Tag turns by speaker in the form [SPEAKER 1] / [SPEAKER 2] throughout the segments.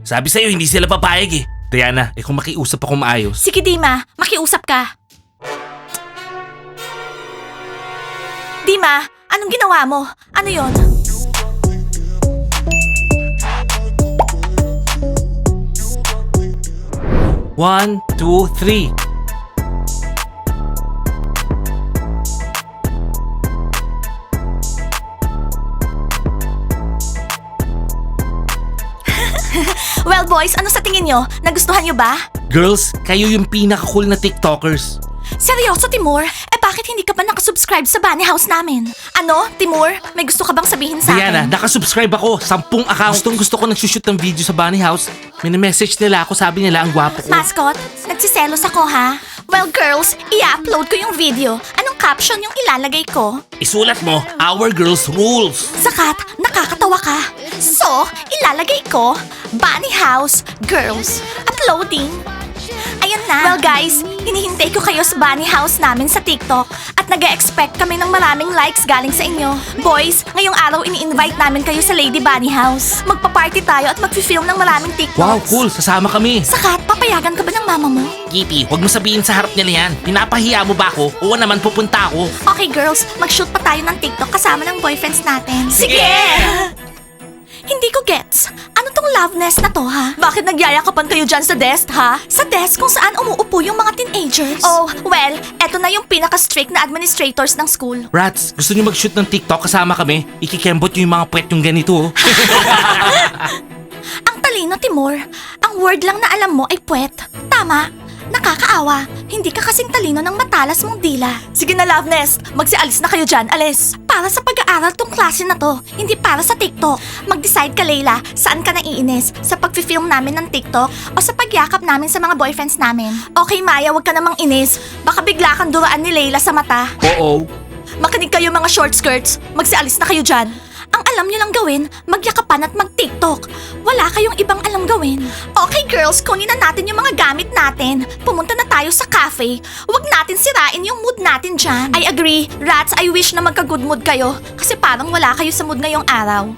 [SPEAKER 1] Sabi sa'yo, hindi sila papayag eh. Diana, kung makiusap ako maayos.
[SPEAKER 2] Sige Dima, makiusap ka. Dima, anong ginawa mo? Ano yon?
[SPEAKER 1] One, two, three.
[SPEAKER 2] Well boys, ano sa tingin nyo? Nagustuhan nyo ba?
[SPEAKER 1] Girls, kayo yung pinaka-cool na TikTokers.
[SPEAKER 2] Seryoso, Timur? Bakit hindi ka pa nakasubscribe sa Bunny House namin? Ano, Timur? May gusto ka bang sabihin sa
[SPEAKER 1] Diana,
[SPEAKER 2] akin?
[SPEAKER 1] nakasubscribe ako. 10 account. Gusto ko nagsushoot ng video sa Bunny House. Message nila ako, sabi nila ang gwapo ko.
[SPEAKER 2] Mascot, nagsiselos ako ha? Well girls, i-upload ko yung video. Anong caption yung ilalagay ko?
[SPEAKER 1] Isulat mo, Our Girls Rules.
[SPEAKER 2] Sakat, nakakatawa ka. So, ilalagay ko, Bunny House Girls. Uploading. Ayan na. Well guys, hinihintay ko kayo sa Bunny House namin sa TikTok at nag-expect kami ng maraming likes galing sa inyo. Boys, ngayong araw ini-invite namin kayo sa Lady Bunny House. Magpa-party tayo at mag-film ng maraming TikToks.
[SPEAKER 1] Wow, cool. Sasama kami.
[SPEAKER 2] Sakat, papayagan ka ba ng mama mo?
[SPEAKER 1] Kitty, huwag mo sabihin sa harap nila yan. Pinapahiya mo ba ako? Oo naman, pupunta ako.
[SPEAKER 2] Okay girls, mag-shoot pa tayo ng TikTok kasama ng boyfriends natin.
[SPEAKER 1] Sige!
[SPEAKER 2] Hindi ko gets. Ano tong loveness na to, ha? Bakit nagyayakapan kayo dyan sa desk, ha? Sa desk kung saan umuupo yung mga teenagers? Oh, well, eto na yung pinaka-strict na administrators ng school.
[SPEAKER 1] Rats, gusto niyo mag-shoot ng TikTok kasama kami? Ikikembot niyo yung mga puwet yung ganito.
[SPEAKER 2] Ang talino, Timur. Ang word lang na alam mo ay puwet. Tama. Nakakaawa. Hindi ka kasing talino ng matalas mong dila. Sige na, Loveness. Magsialis na kayo dyan. Alis. Para sa pag-aaral tong klase na to. Hindi para sa TikTok. Mag-decide ka, Layla. Saan ka naiinis? Sa pag-film namin ng TikTok o sa pagyakap namin sa mga boyfriends namin? Okay, Maya, wag ka namang inis. Baka bigla kang duraan ni Layla sa mata.
[SPEAKER 1] Oo.
[SPEAKER 2] Makinig kayo mga short skirts. Magsialis na kayo dyan. Ang alam nyo lang gawin, magyakapan at mag-TikTok. Wala kayong ibang alam gawin. Okay girls, kunin na natin yung mga gamit natin. Pumunta na tayo sa cafe. Huwag natin sirain yung mood natin dyan. I agree. Rats, I wish na magka-good mood kayo. Kasi parang wala kayo sa mood ngayong araw.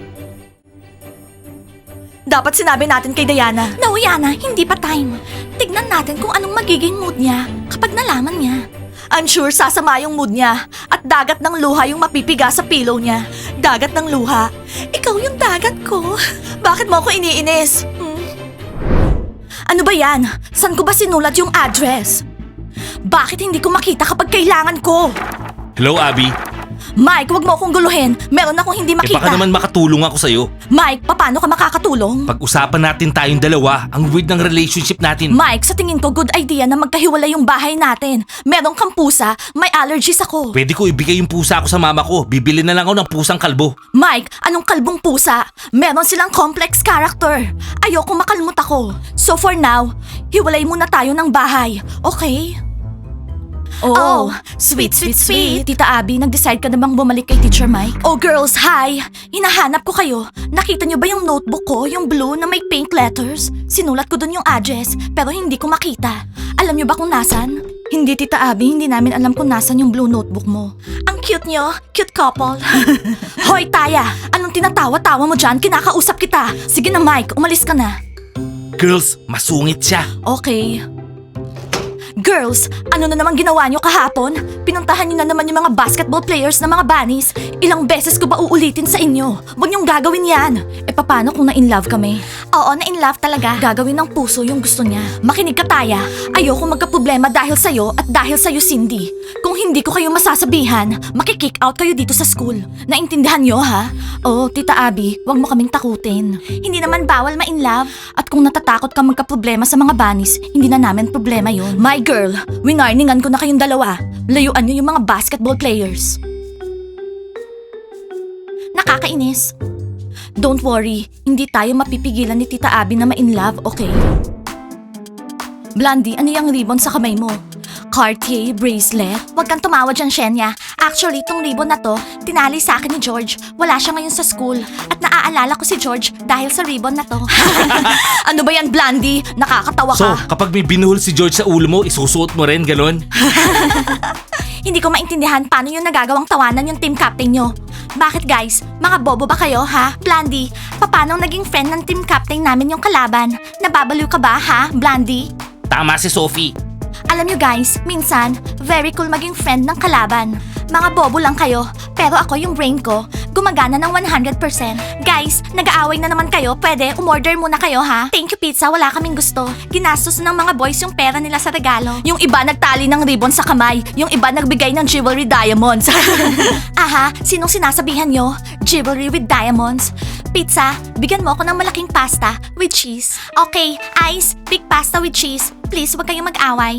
[SPEAKER 2] Dapat sinabi natin kay Diana. No, Yana, hindi pa time. Tignan natin kung anong magiging mood niya kapag nalaman niya. I'm sure sasama yung mood niya at dagat ng luha yung mapipiga sa pillow niya. Dagat ng luha? Ikaw yung dagat ko. Bakit mo ako iniinis? Ano ba yan? Saan ko ba sinulat yung address? Bakit hindi ko makita kapag kailangan ko?
[SPEAKER 1] Hello, Abby.
[SPEAKER 2] Mike, wag mo akong guluhin. Meron akong hindi makita.
[SPEAKER 1] Baka naman makatulong ako sa'yo.
[SPEAKER 2] Mike, paano ka makakatulong?
[SPEAKER 1] Pag-usapan natin tayong dalawa, ang weird ng relationship natin.
[SPEAKER 2] Mike, sa tingin ko good idea na magkahiwalay yung bahay natin. Meron kang pusa, may allergies ako.
[SPEAKER 1] Pwede ko ibigay yung pusa ko sa mama ko. Bibili na lang ako ng pusang kalbo.
[SPEAKER 2] Mike, anong kalbong pusa? Meron silang complex character. Ayoko makalmot ako. So for now, hiwalay muna tayo ng bahay. Okay? Oh, sweet. Tita Abby, nag-decide ka na bang bumalik kay Teacher Mike? Oh girls, hi! Hinahanap ko kayo. Nakita niyo ba yung notebook ko, yung blue na may pink letters? Sinulat ko dun yung address, pero hindi ko makita. Alam niyo ba kung nasan? Hindi, Tita Abby, hindi namin alam kung nasan yung blue notebook mo. Ang cute niyo, cute couple. Hoy, Taya! Anong tinatawa-tawa mo dyan? Kinakausap kita. Sige na, Mike, umalis ka na.
[SPEAKER 1] Girls, masungit siya.
[SPEAKER 2] Okay. Girls, ano na naman ginawa nyo kahapon? Pinuntahan nyo na naman yung mga basketball players na mga bunnies. Ilang beses ko ba uulitin sa inyo? Huwag nyong gagawin yan. Paano kung na-in-love kami? Oo, na-in-love talaga. Gagawin ng puso yung gusto niya. Makinig ka, Taya. Ayoko magka-problema dahil sa'yo at dahil sa'yo, Cindy. Kung hindi ko kayo masasabihan, makikick out kayo dito sa school. Naintindihan nyo, ha? Oo, Tita Abby, huwag mo kaming takutin. Hindi naman bawal ma-in-love. At kung natatakot ka magka-problema sa mga bunnies, hindi na namin problema yon. My girl, winarningan ko na kayong dalawa. Layuan nyo yung mga basketball players. Nakakainis. Don't worry, hindi tayo mapipigilan ni Tita Abby na ma-in-love, okay? Blondie, ano yung ribbon sa kamay mo? Cartier bracelet? Huwag kang tumawa dyan, Shenya. Actually, tong ribbon na to, tinali sa akin ni George. Wala siya ngayon sa school. At naaalala ko si George dahil sa ribbon na to. Ano ba yan, Blondie? Nakakatawa
[SPEAKER 1] So,
[SPEAKER 2] ka.
[SPEAKER 1] kapag may binuhol si George sa ulo mo, isusuot mo rin, ganon?
[SPEAKER 2] hindi ko maintindihan paano yung nagagawang tawanan yung team captain nyo. Bakit guys? Mga bobo ba kayo ha? Blandy, paano naging friend ng team captain namin yung kalaban? Nababaliw ka ba ha, Blandy?
[SPEAKER 1] Tama si Sophie.
[SPEAKER 2] Alam nyo guys, minsan, very cool maging friend ng kalaban. Mga bobo lang kayo, pero ako yung brain ko, gumagana ng 100%. Guys, nag-aaway na naman kayo, pwede umorder muna kayo ha? Thank you pizza, wala kaming gusto. Ginastos ng mga boys yung pera nila sa regalo. Yung iba nagtali ng ribbon sa kamay, yung iba nagbigay ng jewelry diamonds. Aha, sinong sinasabihan nyo? Jewelry with diamonds? Pizza, bigyan mo ako ng malaking pasta with cheese. Okay, Ice, big pasta with cheese. Please, wag kayong mag-away.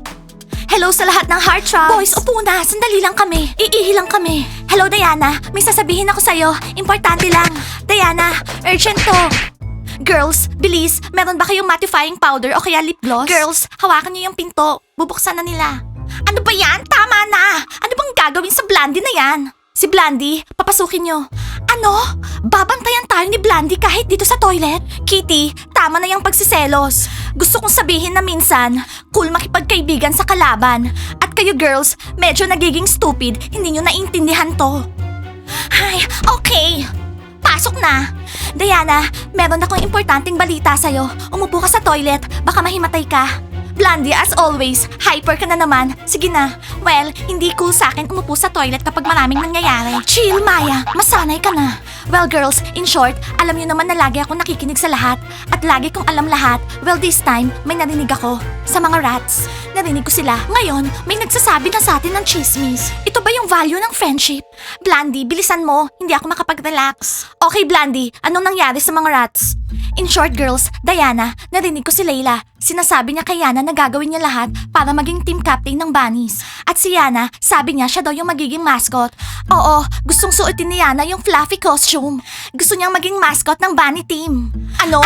[SPEAKER 2] Hello sa lahat ng Heartthrobs! Boys, upo na. Sandali lang kami. Iihi lang kami. Hello, Diana. May sasabihin ako sa'yo. Importante lang. Diana, urgent to. Girls, bilis. Meron ba kayong mattifying powder o kaya lip gloss? Girls, hawakan niyo yung pinto. Bubuksan na nila. Ano ba yan? Tama na! Ano bang gagawin sa Blandy na yan? Si Blandy, papasukin nyo. Ano? Babantayan tayo ni Blandy kahit dito sa toilet? Kitty, tama na yung pagsiselos. Gusto kong sabihin na minsan, cool makipagkaibigan sa kalaban. At kayo girls, medyo nagiging stupid, hindi nyo naintindihan to. Ay, okay. Pasok na. Diana, meron akong importanteng balita sa'yo. Umupo ka sa toilet, baka mahimatay ka. Blandy, as always, hyper ka na naman. Sige na. Well, hindi cool sa akin umupo sa toilet kapag maraming nangyayari. Chill, Maya. Masanay ka na. Well, girls, in short, alam niyo naman na lagi ako nakikinig sa lahat. At lagi kong alam lahat. Well, this time, may narinig ako. Sa mga rats. Narinig ko sila. Ngayon, may nagsasabi na sa atin ng chismis. Ito ba yung value ng friendship? Blandy, bilisan mo. Hindi ako makapag-relax. Okay, Blandy, anong nangyari sa mga rats? In short, girls, Diana, narinig ko si Layla. Sinasabi niya kay Yana na gagawin niya lahat para maging team captain ng bunnies. At si Yana, sabi niya siya daw yung magiging mascot. Oo, gustong suotin ni Yana yung fluffy costume. Gusto niyang maging mascot ng bunny team. Ano?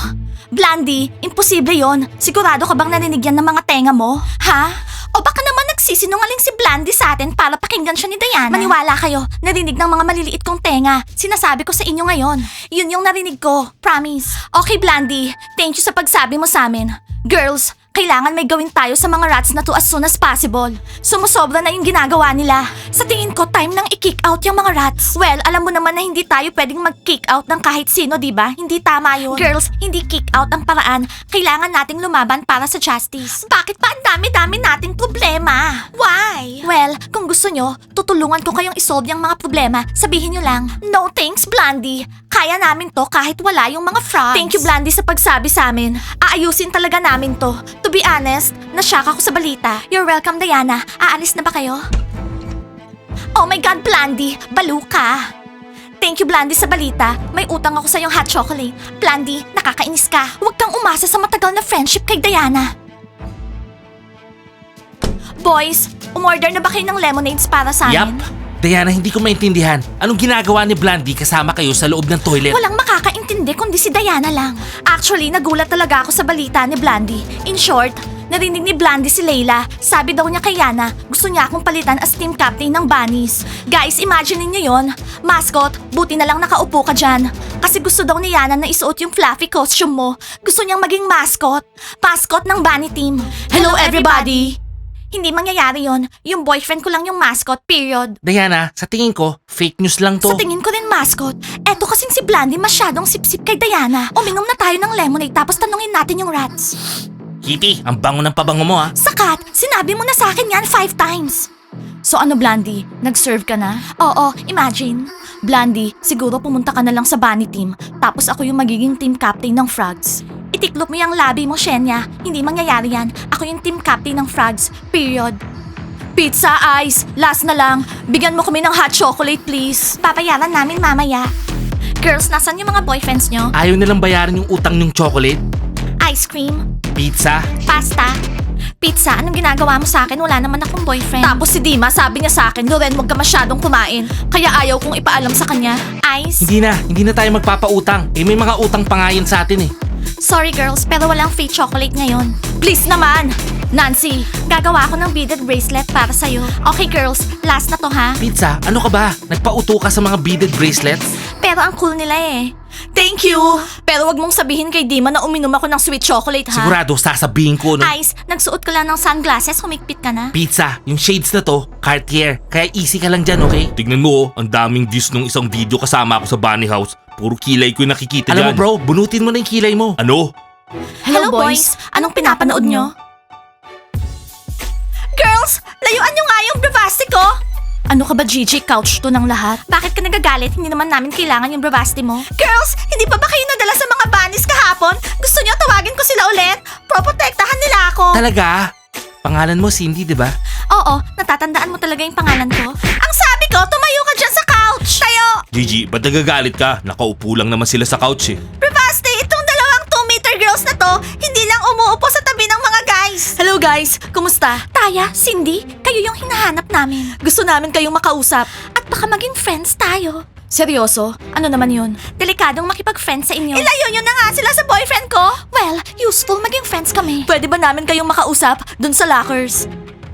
[SPEAKER 2] Blandy, imposible yon. Sigurado ka bang narinig yan ng mga tenga mo? Ha? O baka naman nagsisinungaling si Blandy sa atin para pakinggan siya ni Diana? Maniwala kayo, narinig ng mga maliliit kong tenga. Sinasabi ko sa inyo ngayon. Yun yung narinig ko, promise. Okay, Blandy, thank you sa pagsabi mo sa amin. Girls, kailangan may gawin tayo sa mga rats na to as soon as possible. Sumusobra na yung ginagawa nila. Sa tingin ko, time nang i-kick out yung mga rats. Well, alam mo naman na hindi tayo pwedeng mag-kick out ng kahit sino, di ba? Hindi tama yun. Girls, hindi kick out ang paraan. Kailangan nating lumaban para sa justice. Bakit pa ang dami-dami nating problema? Why? Well, kung gusto nyo, tutulungan ko kayong isolve yung mga problema. Sabihin nyo lang. No thanks, Blandy. Kaya namin to kahit wala yung mga frogs. Thank you, Blandy, sa pagsabi sa amin. Aayusin talaga namin to. To be honest, nashock ako sa balita. You're welcome, Diana. Aalis na ba kayo? Oh my God, Blandy! Balo ka! Thank you, Blandy, sa balita. May utang ako sa yung hot chocolate. Blandy, nakakainis ka. Huwag kang umasa sa matagal na friendship kay Diana. Boys, umorder na ba kayo ng lemonades para sa amin?
[SPEAKER 1] Yup. Diana, hindi ko maintindihan. Anong ginagawa ni Blandy kasama kayo sa loob ng toilet?
[SPEAKER 2] Walang makakaintindi kundi si Diana lang. Actually, nagulat talaga ako sa balita ni Blandy. In short, narinig ni Blandy si Layla. Sabi daw niya kay Yana, gusto niya akong palitan as team captain ng bunnies. Guys, imagine niyo yon. Mascot, buti na lang nakaupo ka dyan. Kasi gusto daw ni Yana na isuot yung fluffy costume mo. Gusto niyang maging mascot. Mascot ng bunny team. Hello everybody! Hindi mangyayari yon. Yung boyfriend ko lang yung mascot, period.
[SPEAKER 1] Diana, sa tingin ko, fake news lang to.
[SPEAKER 2] Sa tingin ko rin mascot. Eto kasing si Blandy masyadong sip-sip kay Diana. Uminom na tayo ng lemonade tapos tanungin natin yung rats.
[SPEAKER 1] Kitty, ang bango ng pabango mo ha.
[SPEAKER 2] Sakat, sinabi mo na sa akin yan 5 times. So ano, Blandy? Nag-serve ka na? Oo, imagine. Blandy, siguro pumunta ka na lang sa bunny team tapos ako yung magiging team captain ng frogs. Itiklop mo yung labi mo, Shenya. Hindi mangyayari yan. Ako yung team captain ng frogs. Period. Pizza, ice. Last na lang. Bigyan mo kami ng hot chocolate, please. Papayaran namin mamaya. Girls, nasan yung mga boyfriends nyo?
[SPEAKER 1] Ayaw nilang bayaran yung utang ng chocolate,
[SPEAKER 2] Ice cream?
[SPEAKER 1] pizza.
[SPEAKER 2] Pasta? Pizza, anong ginagawa mo sa akin? Wala naman akong boyfriend. Tapos si Dima, sabi niya sa akin, Loren, huwag ka masyadong kumain. Kaya ayaw kong ipaalam sa kanya. Ice?
[SPEAKER 1] Hindi na tayo magpapautang. Eh may mga utang pa nga yun sa atin eh.
[SPEAKER 2] Sorry girls, pero walang free chocolate ngayon. Please naman! Nancy, gagawa ako ng beaded bracelet para sa'yo. Okay girls, last na to ha?
[SPEAKER 1] Pizza, ano ka ba? Nagpauto ka sa mga beaded bracelets?
[SPEAKER 2] Pero ang cool nila eh. Thank you! Pero wag mong sabihin kay Dima na uminom ako ng sweet chocolate, ha?
[SPEAKER 1] Sigurado sasabihin ko, no?
[SPEAKER 2] Ice, nagsuot ka lang ng sunglasses, humigpit ka na.
[SPEAKER 1] Pizza, yung shades na to, Cartier. Kaya easy ka lang dyan, okay? Tignan mo, ang daming views nung isang video kasama ako sa Bunny House. Puro kilay ko yung nakikita
[SPEAKER 2] Alam
[SPEAKER 1] dyan.
[SPEAKER 2] mo, bro,
[SPEAKER 1] bunutin mo na yung kilay mo. Ano?
[SPEAKER 2] Hello, boys! Anong pinapanood nyo? Girls, layuan nyo nga yung bravasti ko! Ano ka ba, Gigi? Couch to ng lahat? Bakit ka nagagalit? Hindi naman namin kailangan yung bravasti mo. Girls, hindi pa ba kayo nadala sa mga bunnies kahapon? Gusto nyo tawagin ko sila ulit? Proprotektahan nila ako.
[SPEAKER 1] Talaga? Pangalan mo Cindy, di ba?
[SPEAKER 2] Oo, natatandaan mo talaga yung pangalan ko. Ang sabi ko, tumayo ka dyan sa couch! Tayo!
[SPEAKER 1] Gigi, ba't nagagalit ka? Nakaupo lang naman sila sa couch eh.
[SPEAKER 2] Bravasti, itong dalawang 2-meter girls na to, hindi lang umuupo sa tabi ng mga guys. Hello guys, kumusta? Taya, Cindy, kayo yung hinahanap namin. Gusto namin kayong makausap. At baka maging friends tayo. Seryoso? Ano naman yun? Delikadong makipag-friends sa inyo. Ilayo nyo na nga sila sa boyfriend ko! Well, useful maging friends kami. Pwede ba namin kayong makausap dun sa lockers?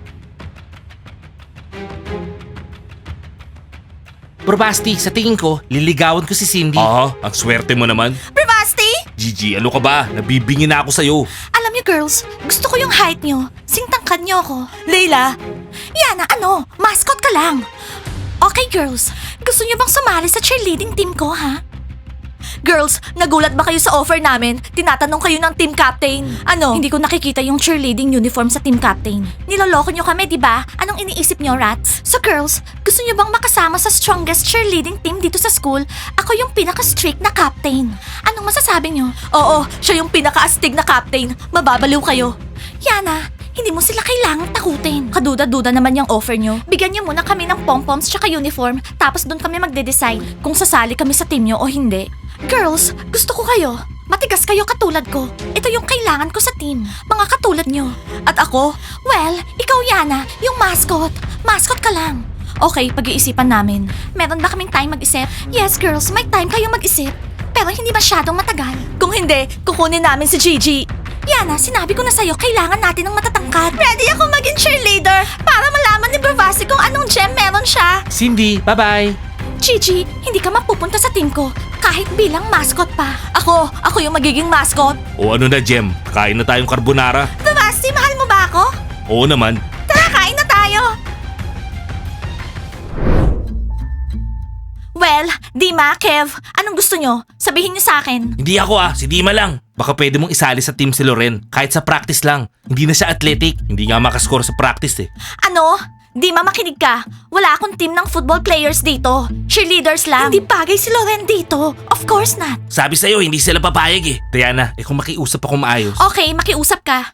[SPEAKER 1] Bro Basti, sa tingin ko, liligawan ko si Cindy. Ang swerte mo naman.
[SPEAKER 2] Bravasti!
[SPEAKER 1] Gigi, ano ka ba? Nabibingin na ako sa'yo.
[SPEAKER 2] Alam niyo girls, gusto ko yung height niyo. Singtangkad niyo ako. Layla! Yana, ano? Mascot ka lang. Okay girls, gusto niyo bang sumali sa cheerleading team ko, ha? Girls, nagulat ba kayo sa offer namin? Tinatanong kayo ng team captain. Ano? Hindi ko nakikita yung cheerleading uniform sa team captain. Niloloko niyo kami, di ba? Anong iniisip niyo, rats? So girls, gusto niyo bang makasama sa strongest cheerleading team dito sa school? Ako yung pinaka-strict na captain. Anong masasabi niyo? Oo, siya yung pinaka-astig na captain. Mababaliw kayo. Yana, hindi mo sila kailangang takutin. Kaduda-duda naman yung offer nyo. Bigyan nyo muna kami ng pom-poms tsaka uniform, tapos doon kami magde-decide kung sasali kami sa team nyo o hindi. Girls, gusto ko kayo. Matigas kayo katulad ko. Ito yung kailangan ko sa team. Mga katulad nyo. At ako? Well, ikaw Yana, yung mascot. Mascot ka lang. Okay, pag-iisipan namin. Meron ba kaming time mag-isip? Yes, girls, may time kayong mag-isip. Pero hindi masyadong matagal. Kung hindi, kukunin namin si Gigi. Yana, sinabi ko na sa'yo, kailangan natin ng matatangkad. Ready ako maging cheerleader para malaman ni Bravasti kung anong gem meron siya.
[SPEAKER 1] Cindy, bye-bye.
[SPEAKER 2] Gigi, hindi ka mapupunta sa team ko kahit bilang mascot pa. Ako yung magiging mascot.
[SPEAKER 1] O ano na, Jem? Kain na tayong carbonara.
[SPEAKER 2] Bravasti, mahal mo ba ako?
[SPEAKER 1] Oo naman.
[SPEAKER 2] Tara, kain na tayo. Well, Dima, Kev, anong gusto nyo? Sabihin nyo sa akin.
[SPEAKER 1] Hindi ako si Dima lang. Baka pwede mong isali sa team si Loren. Kahit sa practice lang. Hindi na siya athletic. Hindi nga makascore sa practice eh.
[SPEAKER 2] Ano? Dima, makinig ka. Wala akong team ng football players dito. Cheerleaders lang. Hindi bagay si Loren dito. Of course not.
[SPEAKER 1] Sabi sa'yo, hindi sila papayag eh. Diana, kung makiusap ako maayos.
[SPEAKER 2] Okay, makiusap ka.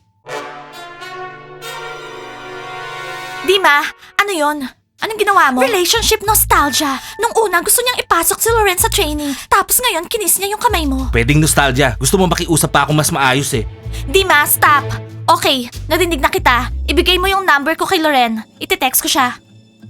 [SPEAKER 2] Dima, ano yon? Anong ginawa mo? Relationship nostalgia. Nung una, gusto niyang ipasok si Loren sa training. Tapos ngayon, kinis niya yung kamay mo.
[SPEAKER 1] Pwedeng nostalgia. Gusto mo makiusap pa ako mas maayos eh.
[SPEAKER 2] Dima, stop. Okay, narinig na kita. Ibigay mo yung number ko kay Loren. Iti-text ko siya.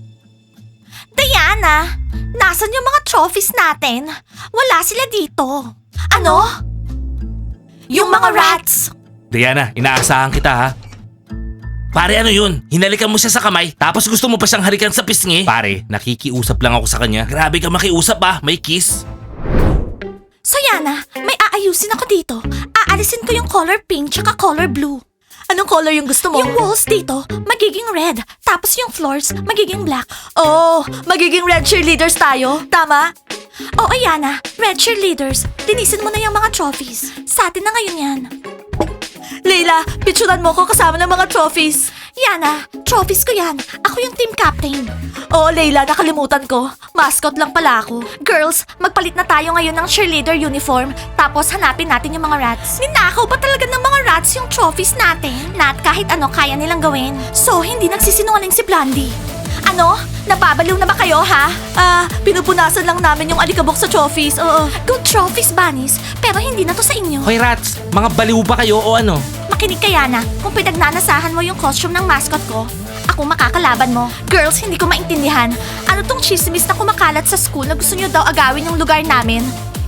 [SPEAKER 2] Diana, nasan yung mga trophies natin? Wala sila dito. Ano? Yung mga rats.
[SPEAKER 1] Diana, inaasahan kita ha. Pare, ano yun? Hinalikan mo siya sa kamay, tapos gusto mo pa siyang halikan sa pisngi? Pare, nakikiusap lang ako sa kanya. Grabe ka makiusap may kiss.
[SPEAKER 2] So Yana, may aayusin ako dito. Aalisin ko yung color pink tsaka color blue. Anong color yung gusto mo? Yung walls dito, magiging red. Tapos yung floors, magiging black. Oh, magiging red cheerleaders tayo. Tama? Oo, Yana, red cheerleaders. Linisin mo na yung mga trophies. Sa atin na ngayon yan. Leila, picturean mo ko kasama ng mga trophies. Yana, trophies ko yan. Ako yung team captain. Oo, Leila, nakalimutan ko. Mascot lang pala ako. Girls, magpalit na tayo ngayon ng cheerleader uniform. Tapos hanapin natin yung mga rats. Ninakaw ba talaga ng mga rats yung trophies natin? Nat, kahit ano kaya nilang gawin. So, hindi nagsisinungaling si Blondie. Ano? Napabaliw na ba kayo, ha? Pinupunasan lang namin yung alikabok sa trophies. Oo. Good trophies, bunnies. Pero hindi na to sa inyo.
[SPEAKER 1] Hoy rats, mga baliw ba kayo o ano?
[SPEAKER 2] Makinig ka, Yana. Kung pinagnanasahan mo yung costume ng mascot ko, ako makakalaban mo. Girls, hindi ko maintindihan. Ano tong chismis na kumakalat sa school na gusto nyo daw agawin yung lugar namin?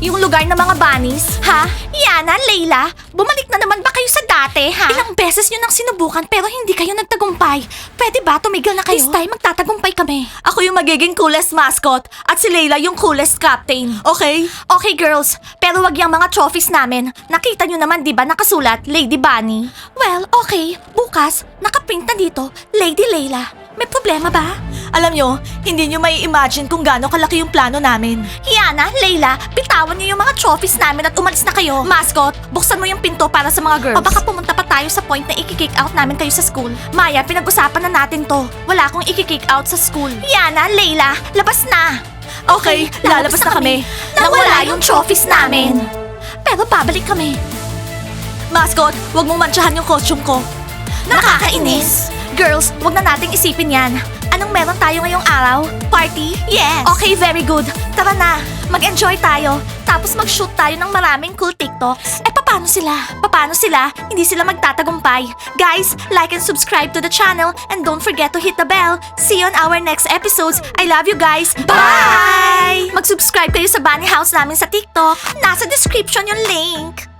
[SPEAKER 2] Yung lugar ng mga bunnies? Ha? Yana, Layla, bumalik na naman ba kayo sa dati, ha? Ilang beses nyo nang sinubukan pero hindi kayo nagtagumpay. Pwede ba tumigil na kayo? This time, magtatagumpay kami. Ako yung magiging coolest mascot at si Layla yung coolest captain. Okay? Okay, girls. Pero wag yung mga trophies namin. Nakita nyo naman, di ba, nakasulat, Lady Bunny? Well, okay. Bukas, nakaprint na dito, Lady Layla. May problema ba? Alam nyo, hindi nyo may imagine kung gaano kalaki yung plano namin. Yana, Layla, bitawan nyo yung mga trophies namin at umalis na kayo. Mascot, buksan mo yung pinto para sa mga girls. O baka pumunta pa tayo sa point na i-kick out namin kayo sa school. Maya, pinag-usapan na natin to. Wala akong i-kick out sa school. Yana, Layla, labas na! Okay, lalabas na kami. Nang wala yung trophies namin. Pero babalik kami. Mascot, wag mong mantsahan yung costume ko. Nakakainis! Girls, wag na nating isipin yan. Anong meron tayo ngayong araw? Party? Yes! Okay, very good. Tara na, mag-enjoy tayo. Tapos mag-shoot tayo ng maraming cool TikToks. Eh, paano sila? Paano sila? Hindi sila magtatagumpay. Guys, like and subscribe to the channel and don't forget to hit the bell. See you on our next episodes. I love you guys. Bye! Mag-subscribe kayo sa Bunny House namin sa TikTok. Nasa description yung link.